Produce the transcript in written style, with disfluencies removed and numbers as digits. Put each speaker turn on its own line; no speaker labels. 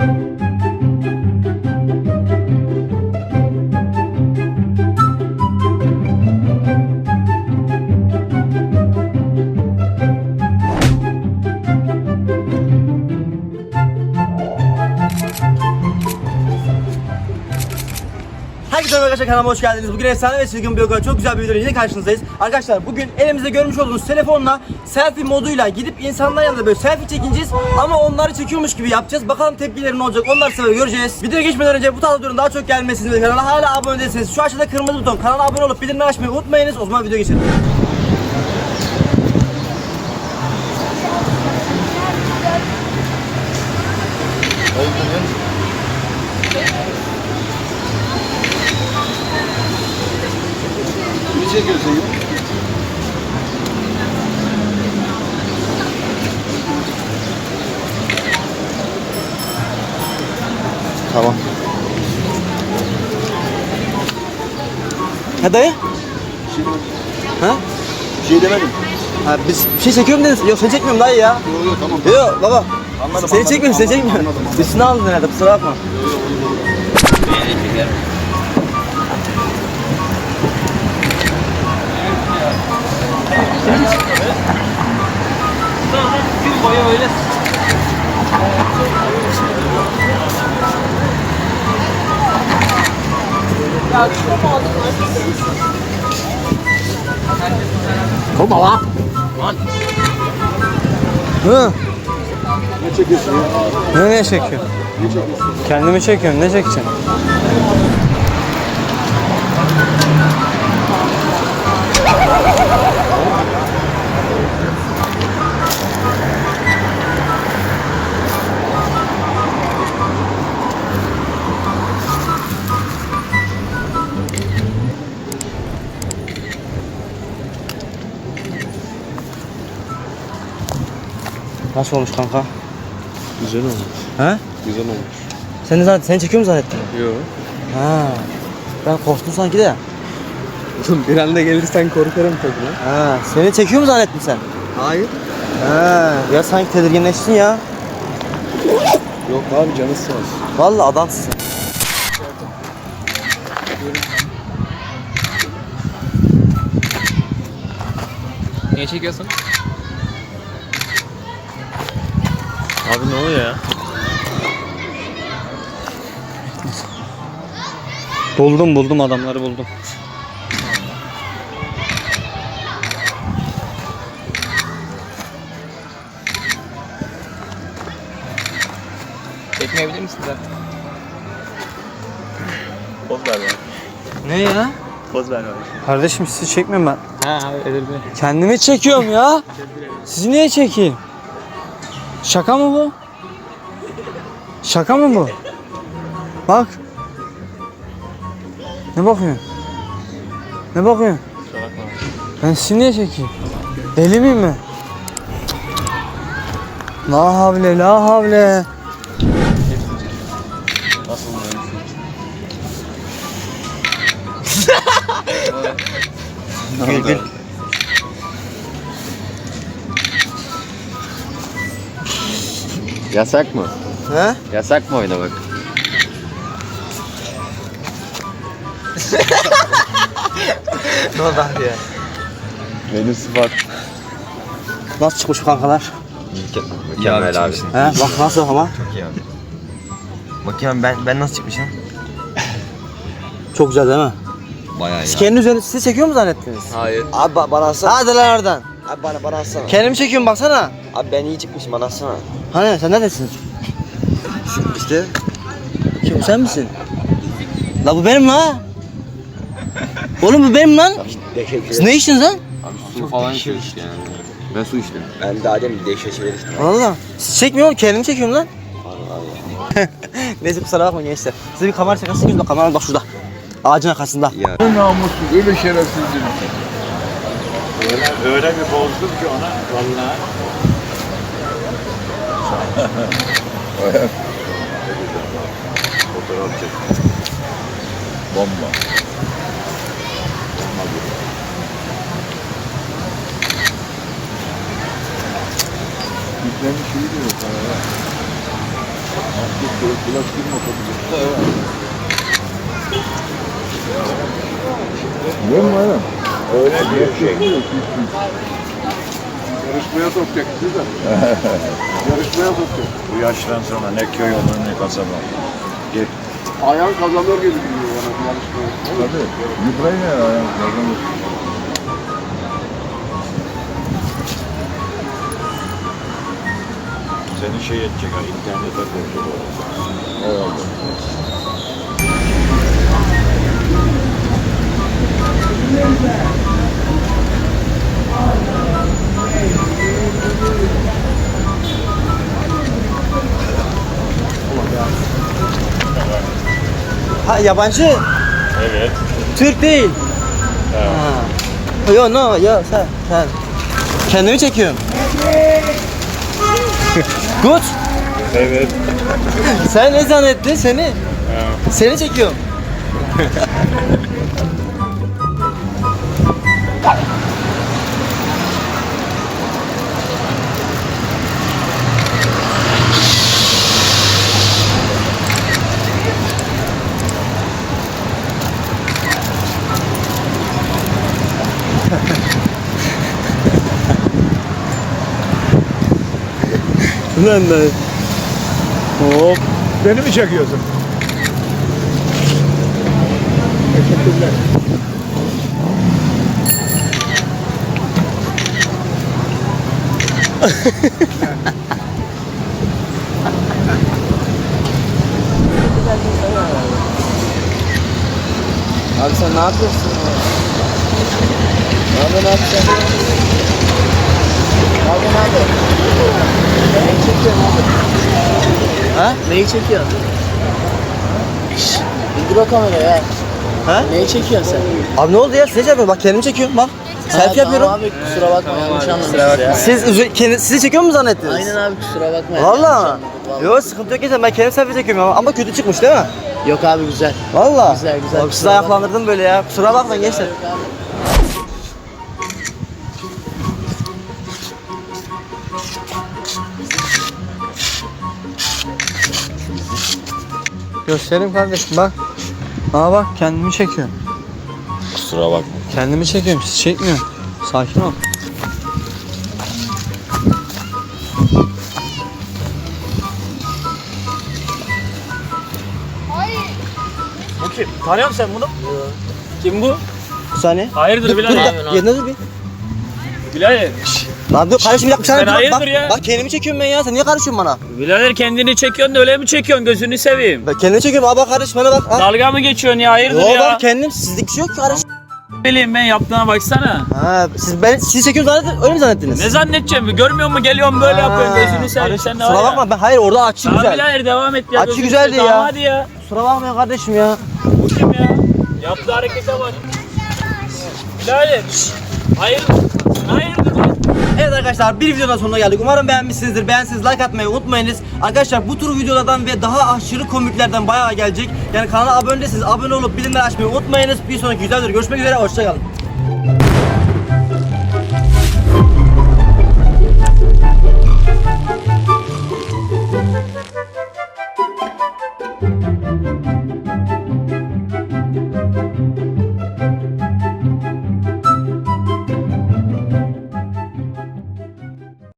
Herkese merhaba arkadaşlar, kanalıma hoş geldiniz. Bugün efsane ve çılgın bir okula çok güzel bir videoyla yine karşınızdayız. Arkadaşlar bugün elimizde görmüş olduğunuz telefonla selfie moduyla gidip insanların yanında böyle selfie çekineceğiz. Ama onları çekiyormuş gibi yapacağız. Bakalım tepkileri ne olacak, onları sebebi göreceğiz. Videoya geçmeden önce bu tarz videoların daha çok gelmesini ve kanala hala abone değilseniz şu aşağıda kırmızı buton, kanala abone olup bildirimleri açmayı unutmayınız. O zaman videoya geçelim.
Ne çekiyorsun ya?
Tamam. Ha dayı? Ha?
Bir şey demedim.
Ha biz bir şey çekiyorum dediniz. Yok seni çekmiyorum dayı ya.
Yok tamam.
Yok baba.
Anladım,
Seni çekmiyorum, seni çekmiyorum. Üstüne aldın herhalde, kusura bakma.
Gün boyu öyle.
Olma lan. Hı?
Ne çekiyorsun ya?
Ne çekiyorsun?
Ne çekiyorsun?
Kendimi çekiyorum, ne çekeceğim? Nasıl olmuş kanka?
Güzel olmuş.
He?
Güzel olmuş.
Seni çekiyor mu zannettin?
Yok.
Ha. Ben korktum sanki de.
Bir anda gelirsen korkarım tabii lan.
Ha. Seni çekiyor mu zannettin sen?
Hayır.
Ha. Ya sanki tedirginleştin ya.
Yok abi canı sağ olsun.
Vallahi adamsın.
Niye çekiyorsun?
Abi ne oluyor ya?
Buldum adamları buldum.
Çekmeyebilir misin zaten?
Poz ver bana.
Ne ya?
Poz ver bana.
Kardeşim sizi çekmiyorum ben.
Ha özür dilerim.
Kendimi çekiyorum ya. Sizi niye çekeyim? Şaka mı bu? Şaka mı bu? Bak. Ne bakıyorsun? Ne bakıyorsun?
Kusura bakma.
Ben sizi niye çekeyim? Deli miyim ben? La havle la havle.
Nasıl oluyor?
Gül gül.
Yasak mı?
He?
Yasak mı oynamak?
Ne oldu abi ya?
Benim sıfat.
Nasıl çıkmış kankalar?
Mükemmel abi.
He? Bak nasıl ama?
Çok iyi abi. Bakayım ben nasıl çıkmışım?
Çok güzel değil mi?
Bayağı iyi.
Siz kendi üzerinize sizi çekiyor mu zannettiniz?
Hayır.
Abi bana alsana. Hadi lan oradan.
Abi bana atsana.
Kendimi çekiyorum baksana.
Abi ben iyi çıkmışım bana atsana.
Hani sen neredesin?
İşte.
Kim sen misin? La bu benim la. Oğlum bu benim lan. Siz ne içtiniz lan?
Abi su falan içiyor işte yani. Ben su içtim. Ben daha demin değişik şeyler içtim.
Valla. Siz çekmiyorum, kendimi çekiyorum lan.
Allah Allah.
Neyse kusura bakmayın gençler. Size bir kamera şakası çekeyim de kamera bak şurada. Ağacın arkasında.
Ya.
Namussuz, öyle şerefsizdir.
Öyle bir bozdum ki ona vallahi.
Fotoğraf çek. Bomba. Yüklemiş iyi diyor sana ya.
Öyle bir şey.
Yarışmaya sokacak bizi de. Yarışmaya sokacak.
Bu yaştan sonra ne köy olur ne kasaba. Gel.
Ayağın kazanır gibi geliyor bana bu yarışmaya.
Tabii. Ukrayna ayağım kazanır.
Seni şey edecek ha, internete koyacak.
Eyvallah.
Ha yabancı.
Evet.
Türk değil. Ha. Yo no yo sen. Kendimi çekiyorum. Good.
Evet.
Sen ne zannettin seni? Seni çekiyorum. Lan lan. Hop.
Beni mi çekiyorsun?
Abi sen ne yapıyorsun? Abi ne yapacaksın? Abi ne yapıyorsun? Neyi çekiyorsun abi?
Ha?
Neyi çekiyorsun? Şşş, indir o kamerayı ha.
Ha?
Neyi çekiyorsun sen?
Abi ne oldu ya? Size çekiyorum. Bak kendimi çekiyorum bak. Selfie yapıyorum.
Tamam abi kusura bakma yanlış anlamışız ya.
Sizi çekiyor mu zannettiniz?
Aynen abi kusura bakma.
Valla.
yanlış anladık, vallahi.
Yok sıkıntı yok ya ben kendim selfie çekiyorum ama kötü çıkmış değil mi?
Yok abi güzel.
Valla.
Güzel, güzel.
Abi sizi ayaklandırdım böyle ya. Kusura bakmayın gençler.
Yok abi.
Göstereyim kardeşim bak. Aa bak kendimi çekiyorum.
Kusura bakma.
Kendimi çekiyorum siz çekmiyorum. Sakin ol.
Bu kim? Tanıyor musun sen bunu? Kim bu?
Bir saniye.
Hayırdır
Dur,
Bilal
dur,
abi?
bir yerine dur bir.
Bilal.
Lan dur kardeşim bir dakika bir saniye
Sen
dur,
hayırdır
bak,
ya?
bak kendimi çekiyorum ben ya sen niye karışıyorsun bana?
Birader kendini çekiyorsun da öyle mi çekiyorsun? Gözünü seveyim.
Ben kendimi çekiyorum abi bak kardeşim bana bak. Ha.
Dalga mı geçiyorsun ya? Hayırdır
Yo
ya?
bak kendim sizlik bir şey yok ki kardeşim.
Bileyim ben yaptığına baksana.
Ha sizi çekiyorum zannettiniz öyle mi zannettiniz?
Ne zannedeceğim? Görmüyor musun? Geliyorum böyle yapıyorsun. Gözünü seveyim. Sen de var
Kusura
ya.
bakma ben hayır orada açı
Tamam
güzel.
birader devam et ya.
Açı
Gözünü
güzeldi
seveyim.
ya.
Tamam hadi ya.
Kusura bakmayın kardeşim ya.
Bu kim ya? Yaptığı harekete bak. Birader. Hayırdır? Hayırdır lan?
Evet arkadaşlar bir videonun sonuna geldik. Umarım beğenmişsinizdir. Beğenseniz like atmayı unutmayınız. Arkadaşlar bu tür videolardan ve daha aşırı komiklerden bayağı gelecek. Yani kanala abone değilseniz abone olup bildirimleri açmayı unutmayınız. Bir sonraki videoda görüşmek üzere. Hoşçakalın.